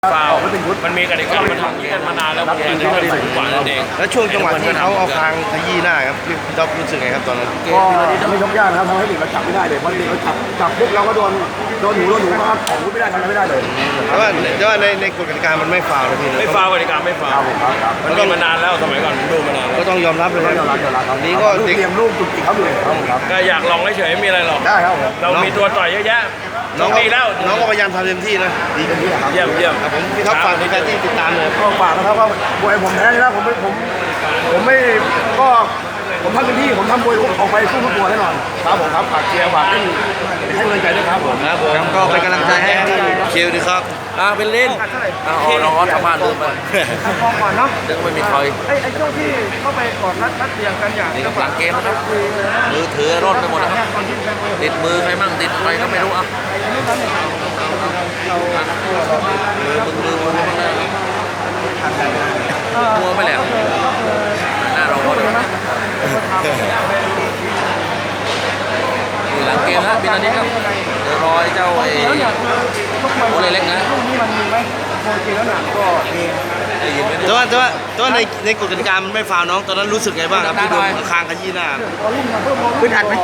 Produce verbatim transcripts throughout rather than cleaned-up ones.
ฟาวมันมีกติกามันทำอย่างนี้กันมานานแล้วอย่างที่ไม่ได้สูงกว่านั่นเองแล้วช่วงจังหวะที่เขาเอาคางขยี้หน้าครับพี่จ๊อบรู้สึกไงครับตอนนั้นก็ไม่ยกยากนะครับทำให้เด็กเราจับไม่ได้เลยเพราะเด็กเราจับจับปุ๊บเราก็โดนโดนหูโดนหูมาของไม่ได้ทำอะไรไม่ได้เลยแต่ว่าแต่ว่าในในกฎกติกามันไม่ฟาวนะพี่ไม่ฟาวกติกาไม่ฟาวมันมีมานานแล้วสมัยก่อนดูมานานก็ต้องยอมรับเลยยอมรับยอมรับครับนี้ก็เตรียมลูกจุดอีกครับเลยครับก็อยากลองเฉยๆไม่มีอะไรหรอกได้ครับเรามีตัวต่อยเยอะแยะน้องมีแล้วน้องก็พยายามทำเต็มที่นะดีเต็มที่ครับเยี่ยมเยี่ยมผมพี่ท็อปฝากในการที่ติดตามเลยก็ฝากนะครับว่าบวยผมแพ้นะผมไม่ผมผมไม่ก็ผมทำเต็มที่ผมทำบวยออกไปสู้ทุกตัวแน่นอนครับผมครับฝากเชียร์ฝากให้ให้กำลังใจด้วยครับผมครับผมก็เป็นกำลังใจให้เชียร์ดีครับอ่าเป็นเล่นอ่าอ๋อน้องทำบ้านลืมไปมองก่อนเนาะเดี๋ยวไม่มีใครไอ้ไอ้ช่วงที่เข้าไปกอดรัดรัดเตียงกันอย่างนี่กับหลังเกมนะครับมือถือร่นไปหมดนะครับติดมือใครมั่งติดอะไรก็ไม่รู้อ่ะมือมึงมือมึงมึงเลยมัวไม่แหลมหน้าเราก็เลยหลังเกมนะปีนี้ครับเดี๋ยวรอเจ้าไอ้โอเล็กนะลูกนี้มันมีไหมโอเคแล้วหนักก็มีแต่ว่าแต่ว่าแต่ว่าในในกฎกติกามันไม่ฟาวน้องตอนนั้นรู้สึกไงบ้างครับที่โดนคางขยี้หน้าพื้นอัดไหม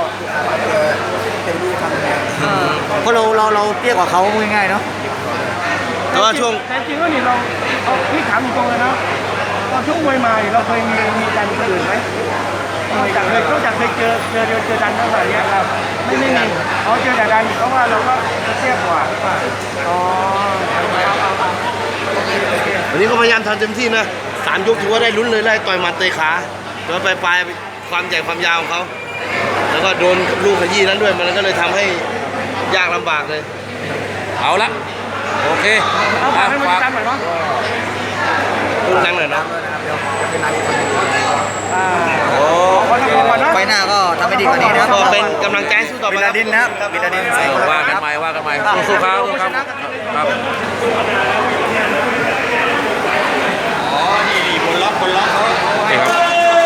เพราะเราเราเราเตี้ยกว่าเขาง่ายๆเนาะแต่ว่าช่วงแต่จริงแล้วนี่เราเอาพี่ถามตรงเลยนะตอนช่วงมวยมาเราเคยมีมีดันอื่นไหมไม่จากเลยก็จากเคยเจอเจอเจอดันเท่าไหร่เนี่ยครับไม่ไม่มีเขาเจอแต่ดันเพราะว่าเราก็เตี้ยกว่าอ๋อวันนี้ก็พยายามทำเต็มที่นะสามยกถือว่าได้ลุ้นเลยไล่ต่อยหมัดเตะขาแล้วไปปลายความใหญ่ความยาวของเขาแล้วก็โดนลูกขยี้นั้นด้วยมันก็เลยทำให้ยากลำบากเลยเอาละโอเคเอาฝากให้มันจำหน่อยเนาะลูกนั่งหน่อยนะโอ้ไฟหน้าก็ทำให้ดีกว่านี้นะครับก็เป็นกำลังใจสู้ต่อไปบิดาดินนะครับบิดาดินว่ากันไปว่ากันไปสู้ๆครับครับอ๋อนี่นี่บนล็อกบนล็อกเขานี่ครับ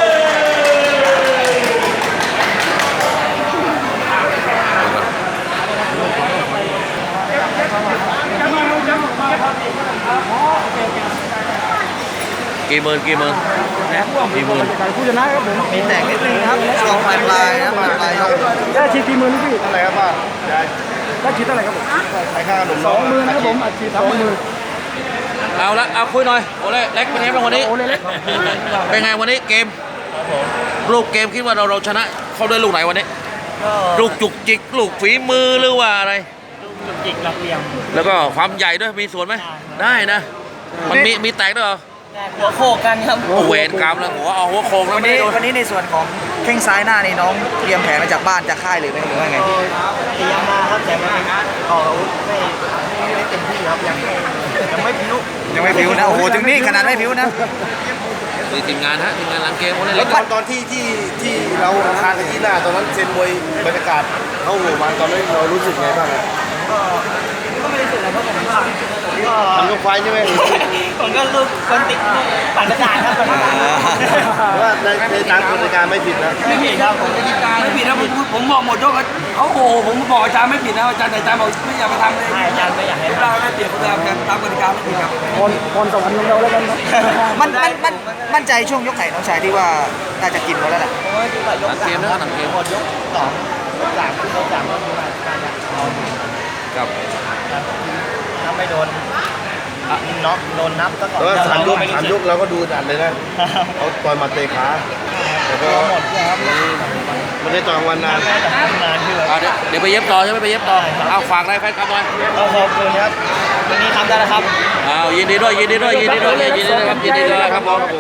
กี่หมื่นกี่หมื่นกี่หมื่นผู้ชนะครับผมมีแตกนิดนึงครับช่วงปลายปลายนะปลายปลายได้ฉีดกี่หมื่นพี่เท่าไหร่ครับป้าได้ฉีดเท่าไหร่ครับผมใช้ค่าขนมสองหมื่นนะครับผมอัดฉีดสองหมื่นเอาละเอาคุยหน่อยโอเล่เล็กเป็นไงบ้างวันนี้โอเล่เล็กเป็นไงวันนี้เกมลูกเกมคิดว่าเราเราชนะเขาด้วยลูกไหนวันนี้ลูกจุกจิกลูกฝีมือหรือว่าอะไรจุกจิกหลักเหลี่ยมแล้วก็ความใหญ่ด้วยมีส่วนไหมได้นะมันมีมีแตกด้วยเหรอหัวโขกกันครับเวรกรรมแล้วหัวเอาหัวโขกแล้ววันนี้วันนี้ในส่วนของแข้งซ้ายหน้านี่น้องเตรียมแผนมาจากบ้านจากค่ายหรือไม่หรือว่าไงเตรียมมาครับแต่ไม่ออกอาวุธไม่ไม่เต็มที่ครับยังยังไม่ผิวยังไม่ผิวนะโอ้โหถึงนี่ขนาดไม่ผิวนะมีทีมงานฮะทีมงานหลังเกมคนนี้แล้วตอนตอนที่ที่ที่เราคางขยี้หน้าตอนนั้นเซนมวยบรรยากาศเข้าหัวมันตอนนั้นเรารู้สึกไงบ้างก็ก็ไม่ได้รู้สึกอะไรเพราะผมก็ทำยกไฟใช่ไหมผมก็ลูกคนติดปั่นกระจายครับว่าในในตามกฎการไม่ผิดนะไม่ผิดครับผมไม่ผิดนะผมผมบอกหมดยกเขาโอ้ผมบอกอาจารย์ไม่ผิดนะอาจารย์อาจารย์บอกไม่อยากไปทำเลยอาจารย์ไม่อยากให้เราได้เปรียบเขาทำตามกฎการไม่ผิดครับคนคนสวรรค์เราแล้วกันมันมันมันมั่นใจช่วงยกไหนน้องชายที่ว่าน่าจะกินเขาแล้วแหละหลังเกมนะหลังเกมหมดยกสองยกสามยกสามก็มีการกับถ้าไม่โดนน็อกโดนนับก็แต่ว่าสามยกสามยกเราก็ดูดันเลยนะเขาต่อยมาเตะขาแต่ก็มันได้ต่อยวันนานเดี๋ยวไปเย็บต่อใช่ไหมไปเย็บต่อเอาฝากอะไรแฟนคลับหน่อยขอบคุณครับวันนี้ทำได้แล้วครับอ้าวยินดีด้วยยินดีด้วยยินดีด้วยยินดีด้วยครับยินดีด้วยครับผม